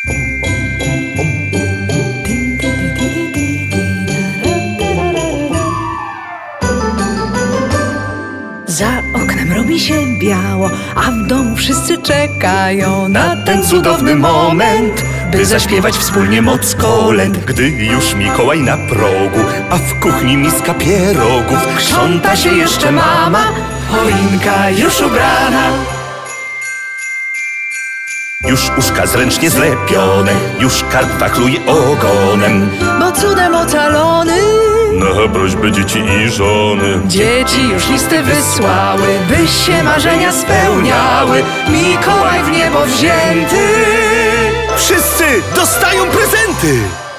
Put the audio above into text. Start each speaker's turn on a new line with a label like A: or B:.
A: Za oknem robi się biało, a w domu wszyscy czekają na ten cudowny moment, by zaśpiewać wspólnie moc kolęd.
B: Gdy już Mikołaj na progu, a w kuchni miska pierogów,
A: Krząta się jeszcze mama, choinka już ubrana.
B: już uszka zręcznie zlepione, już karp wachluje ogonem.
A: Bo cudem ocalony
B: Na prośbę dzieci i żony
A: dzieci już listy wysłały, by się marzenia spełniały. Mikołaj w niebo wzięty
B: wszyscy dostają prezenty!